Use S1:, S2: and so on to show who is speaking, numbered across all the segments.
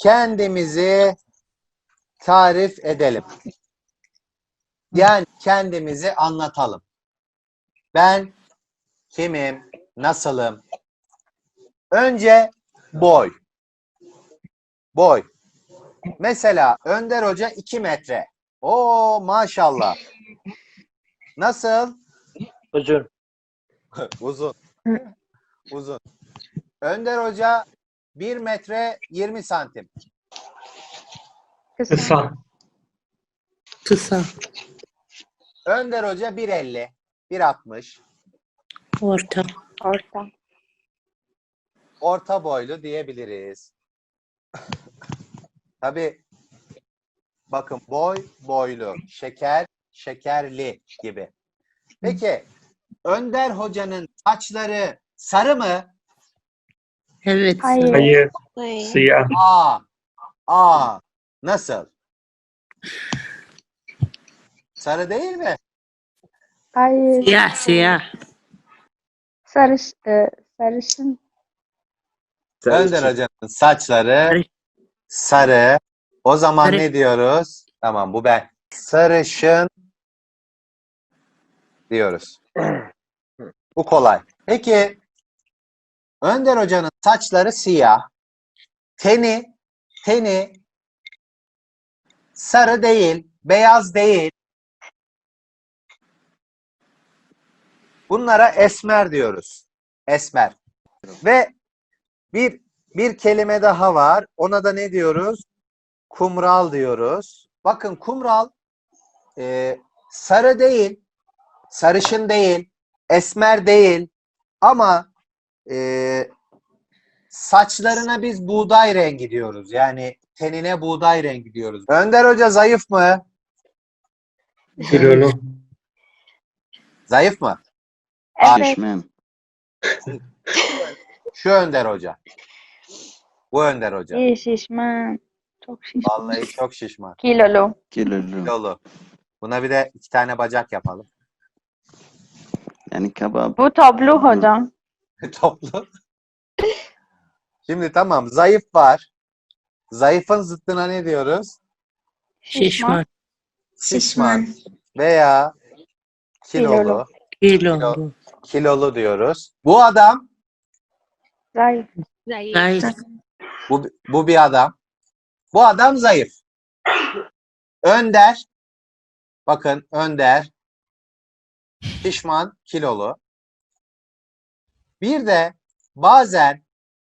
S1: kendimizi tarif edelim. Yani kendimizi anlatalım. Ben kimim, nasılım? Önce boy. Boy. Mesela Önder Hoca 2 metre. Oo maşallah. Nasıl?
S2: Uzun.
S1: Uzun. Uzun. Önder Hoca 1 metre 20 santim.
S2: Kısa.
S3: Kısa.
S1: Önder Hoca 1.50, 1.60.
S3: Orta.
S4: Orta.
S1: Orta boylu diyebiliriz. Tabii bakın boy, boylu, şeker, şekerli gibi. Peki Önder Hoca'nın saçları sarı mı?
S3: Evet.
S4: Hayır.
S2: Hayır. Siyah.
S1: Aa, nasıl? Sarı değil mi?
S4: Hayır.
S3: Siyah, siyah.
S4: Sarışın.
S1: Önder Hoca'nın saçları sarı. O zaman
S3: Sarı.
S1: ne diyoruz? Tamam bu ben. Sarışın diyoruz. Bu kolay. Peki Önder Hoca'nın saçları siyah. Teni sarı değil, beyaz değil. Bunlara esmer diyoruz. Esmer. Ve bir kelime daha var. Ona da ne diyoruz? Kumral diyoruz. Bakın kumral sarı değil, sarışın değil, esmer değil ama saçlarına biz buğday rengi diyoruz. Yani tenine buğday rengi diyoruz. Önder Hoca zayıf mı?
S2: Kilolu.
S1: Zayıf mı?
S4: Evet.
S1: Şu Önder Hoca. Bu Önder Hoca.
S4: İyi şişman. Çok şişman.
S1: Vallahi çok şişman.
S4: Kilolu.
S1: Kilolu. Buna bir de 2 tane bacak yapalım.
S5: Yani kebap.
S4: Bu toplu hocam.
S1: Toplu. Şimdi tamam zayıf var. Zayıfın zıttına ne diyoruz?
S3: Şişman.
S1: Şişman veya kilolu.
S3: Kilolu.
S1: Kilolu diyoruz. Bu adam,
S4: Zayıf.
S3: Zayıf.
S1: bu bir adam. Bu adam zayıf. Önder, bakın Önder, şişman, kilolu. Bir de bazen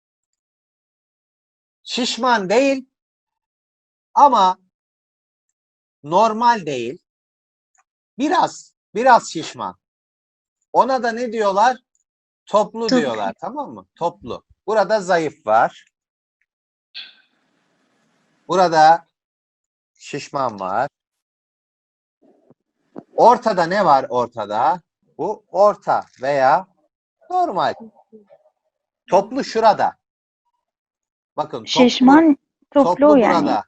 S1: şişman değil ama normal değil. Biraz şişman. Ona da ne diyorlar? Toplu diyorlar, tamam mı? Toplu. Burada zayıf var. Burada şişman var. Ortada ne var ortada? Bu orta veya normal. Toplu şurada. Bakın toplu,
S4: Şişman toplu yani.
S1: burada.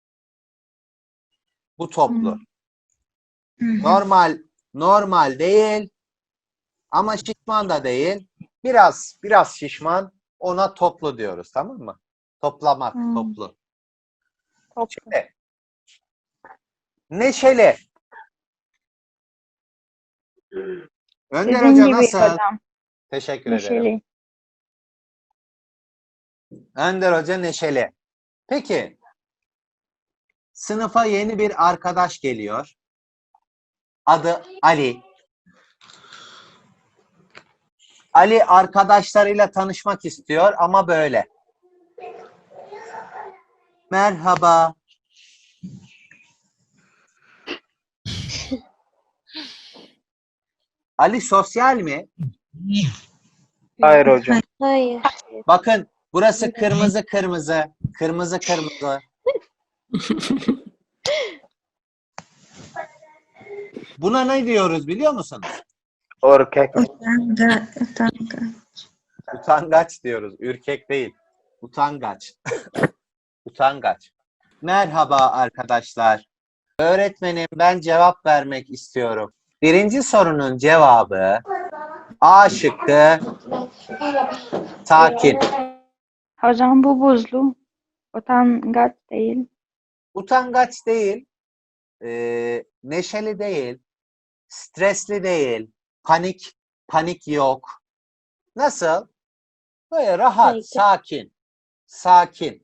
S1: Bu toplu.
S3: Hı hı.
S1: Normal değil ama şişman da değil. Biraz şişman. Ona toplu diyoruz, tamam mı? Toplamak, toplu.
S4: Toplu.
S1: Şimdi, neşeli. Önder
S4: Sizin
S1: Hoca
S4: gibi
S1: nasıl?
S4: hocam.
S1: Teşekkür ederim.
S4: Neşeli.
S1: Önder Hoca neşeli. Peki, sınıfa yeni bir arkadaş geliyor. Adı Ali. Ali arkadaşlarıyla tanışmak istiyor ama böyle. Merhaba. Ali sosyal mi?
S2: Hayır hocam.
S4: Hayır.
S1: Bakın burası kırmızı kırmızı. Kırmızı kırmızı. Buna ne diyoruz biliyor musunuz?
S2: Erkek.
S1: Utangaç diyoruz. Ürkek değil. Utangaç. Utangaç. Merhaba arkadaşlar. Öğretmenim ben cevap vermek istiyorum. Birinci sorunun cevabı A şıkkı sakin.
S4: Hocam bu buzlu. Utangaç değil.
S1: Utangaç değil, neşeli değil, stresli değil, panik yok. Nasıl? Böyle rahat,
S5: Sakin.
S1: sakin.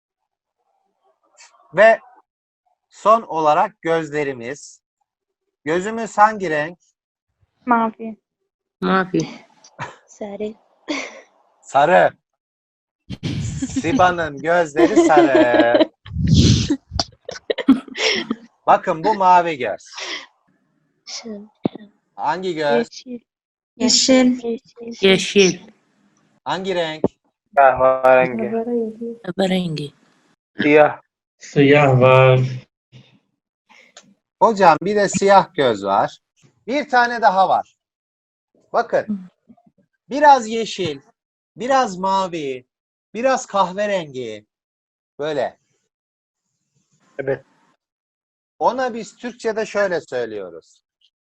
S1: Ve son olarak gözlerimiz. Gözümüz hangi renk?
S4: Mavi.
S3: Mavi.
S5: Sarı.
S1: Sarı. Siba'nın gözleri sarı. Bakın bu mavi göz. Hangi göz?
S5: Yeşil.
S3: Yeşil.
S1: Hangi renk?
S2: Kahverengi.
S3: Kahverengi.
S2: Siyah.
S6: Siyah var.
S1: Hocam bir de siyah göz var. Bir tane daha var. Bakın. Biraz yeşil, biraz mavi, biraz kahverengi. Böyle.
S2: Evet.
S1: Ona biz Türkçe'de şöyle söylüyoruz.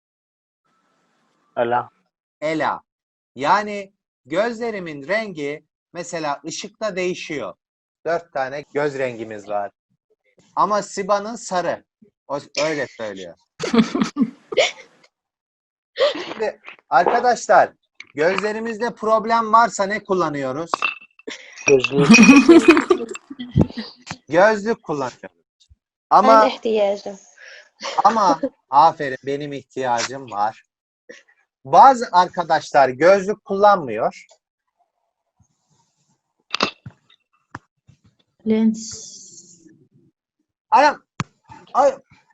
S2: Ela.
S1: Ela. Yani gözlerimin rengi mesela ışıkta değişiyor. 4 tane göz rengimiz var. Ama Siba'nın sarı. O öyle söylüyor. Şimdi arkadaşlar gözlerimizde problem varsa ne kullanıyoruz?
S2: Gözlük.
S1: Gözlük kullanıyoruz.
S5: Ben
S1: Ama
S5: ihtiyacım.
S1: aferin benim ihtiyacım var. Bazı arkadaşlar gözlük kullanmıyor.
S3: Lens.
S1: Ay,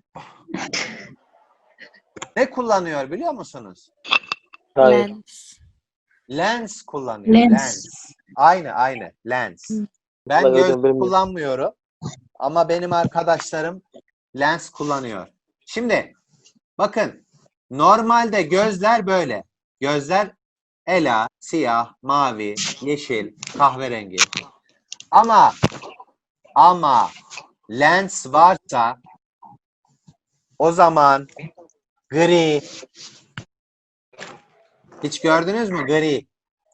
S1: ne kullanıyor biliyor musunuz?
S2: Hayır.
S1: Lens kullanıyor.
S3: Lens.
S1: Lens. Aynı. Lens. Ben
S2: Vallahi hocam
S1: gözlük
S2: bilmiyorum.
S1: kullanmıyorum. Ama benim arkadaşlarım lens kullanıyor. Şimdi bakın normalde gözler böyle. Gözler ela, siyah, mavi, yeşil, kahverengi. Ama lens varsa o zaman gri. Hiç gördünüz mü gri?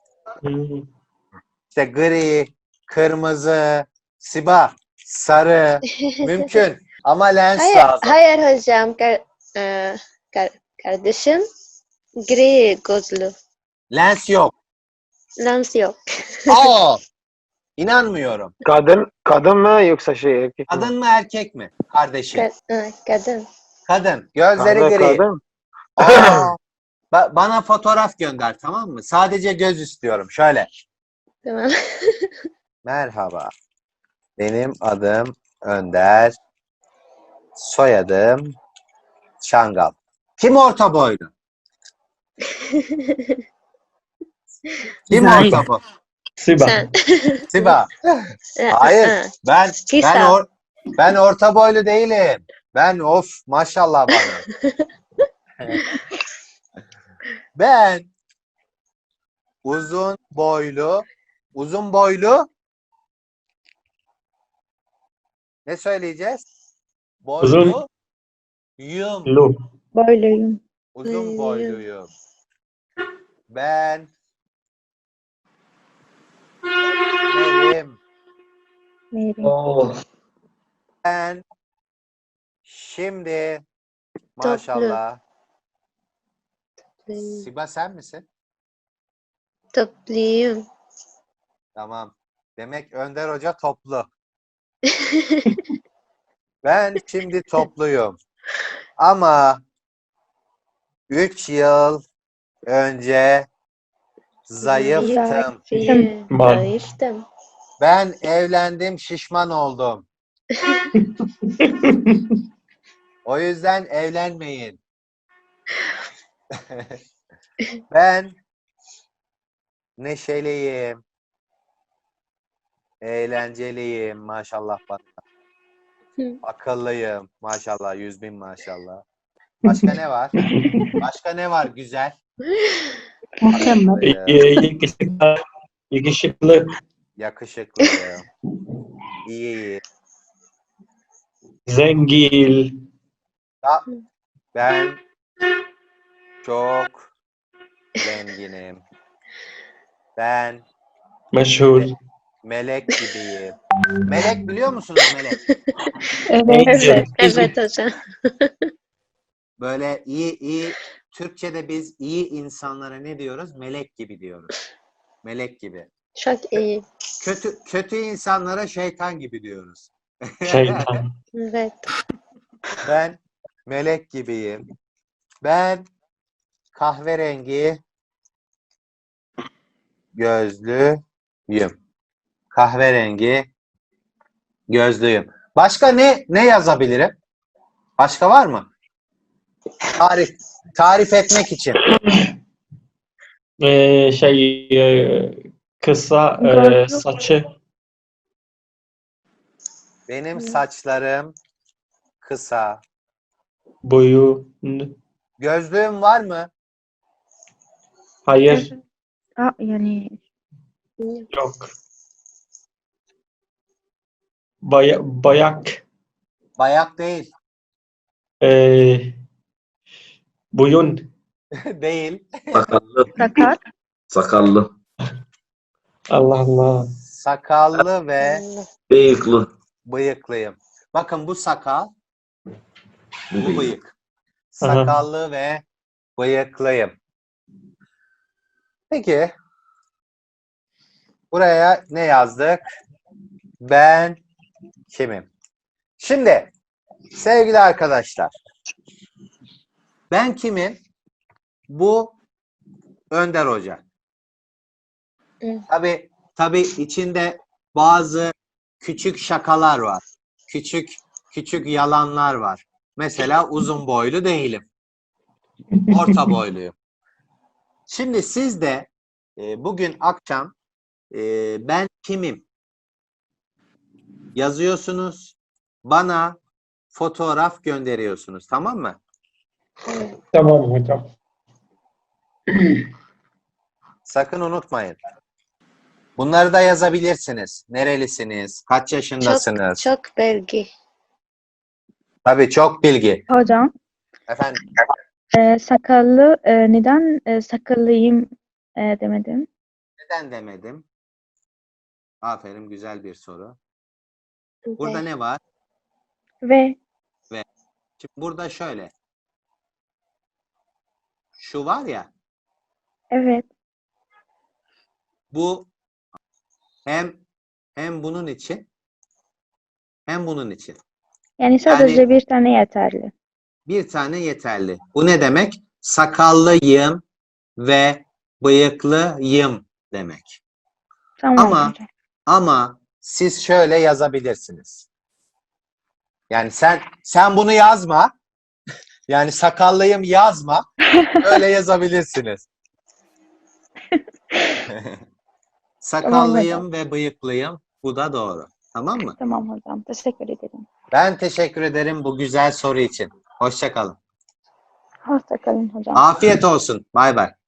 S1: İşte gri, kırmızı, Siba, sarı mümkün ama lens
S5: Hayır,
S1: lazım.
S5: hayır hocam. Kardeşim gri gözlü.
S1: Lens yok.
S5: Lens yok.
S1: Aa! İnanmıyorum.
S2: Kadın mı yoksa şey erkek mi?
S1: Kadın mı erkek mi? Kardeşim.
S5: Kadın.
S1: Kadın. Gözleri gri.
S2: Kadın.
S1: Aa! Bana fotoğraf gönder tamam mı? Sadece göz istiyorum. Şöyle.
S5: Tamam.
S1: Merhaba. Benim adım Önder. Soyadım Şangal. Kim orta boylu? Kim
S3: Zayıf.
S1: orta boylu?
S6: Siba.
S5: Sen.
S1: Siba. Hayır. Ben
S5: Kısa.
S1: ben orta boylu değilim. Ben maşallah bana. Ben uzun boylu ne söyleyeceğiz?
S6: Uzun.
S1: Yum.
S6: Lu.
S4: Böyleyim.
S1: Uzun boyluyum. Ben Merim.
S4: Mary.
S6: Oh.
S1: Ben şimdi maşallah. Siba sen misin?
S5: Topluyum.
S1: Tamam. Demek Önder Hoca toplu. Ben şimdi topluyum. Ama 3 yıl önce zayıftım.
S5: Zayıftım.
S1: Ben evlendim, şişman oldum. O yüzden evlenmeyin. Ben neşeliyim, eğlenceliyim maşallah bana. Akıllıyım maşallah, 100.000 maşallah. Başka ne var? Başka ne var güzel?
S3: Mükemmel.
S6: Yakışıklı. Yakışıklı.
S1: Yakışıklıyım. İyi.
S6: Zengil.
S1: Ben çok zenginim. Ben
S6: Meşhur.
S1: melek gibiyim. Melek biliyor musunuz melek?
S4: Evet.
S6: Angel.
S5: Evet hocam.
S1: Böyle iyi Türkçe'de biz iyi insanlara ne diyoruz? Melek gibi diyoruz. Melek gibi.
S5: Çok iyi.
S1: Kötü insanlara şeytan gibi diyoruz.
S6: Şeytan.
S5: Evet.
S1: Ben melek gibiyim. Ben kahverengi gözlüyüm. Kahverengi gözlüyüm. Başka ne yazabilirim? Başka var mı? Tarif etmek için.
S6: Kısa
S4: Gözlük.
S6: saçı.
S1: Benim saçlarım kısa.
S6: Boyu.
S1: Gözlüğüm var mı?
S6: Hayır.
S4: Yani
S6: Yok. Bayak.
S1: Bayak değil.
S6: Boyun.
S1: Değil.
S7: Sakallı.
S4: sakar.
S7: Sakallı.
S6: Allah Allah.
S1: Sakallı ve
S7: Bıyıklı.
S1: bıyıklıyım. Bakın bu sakal, bu bıyık.
S6: Aha.
S1: Sakallı ve bıyıklıyım. Peki. Buraya ne yazdık? Ben kimim? Şimdi sevgili arkadaşlar, ben kimim? Bu Önder Hoca.
S5: Evet.
S1: Tabii içinde bazı küçük şakalar var. Küçük yalanlar var. Mesela uzun boylu değilim. Orta boyluyum. Şimdi siz de bugün akşam ben kimim yazıyorsunuz. Bana fotoğraf gönderiyorsunuz. Tamam mı?
S6: Tamam hocam.
S1: Sakın unutmayın. Bunları da yazabilirsiniz. Nerelisiniz? Kaç yaşındasınız?
S5: Çok bilgi.
S1: Tabii çok bilgi.
S4: Hocam,
S1: Efendim,
S4: sakallı, neden sakallıyım demedim?
S1: neden demedim? Aferin, güzel bir soru. Burada ne var?
S4: Ve
S1: Şimdi burada şöyle. Şu var ya,
S4: evet,
S1: bu hem bunun için hem bunun için.
S4: yani sadece bir tane yeterli.
S1: Bir tane yeterli. Bu ne demek? Sakallıyım ve bıyıklıyım demek.
S4: Tamam hocam.
S1: Ama siz şöyle yazabilirsiniz. Yani sen bunu yazma. Yani sakallıyım yazma. Öyle yazabilirsiniz. Sakallıyım ve bıyıklıyım. Bu da doğru. Tamam mı?
S4: Tamam hocam. Teşekkür ederim.
S1: Ben teşekkür ederim bu güzel soru için. Hoşça kalın.
S4: Hoşça kalın hocam.
S1: Afiyet olsun. Bay bay.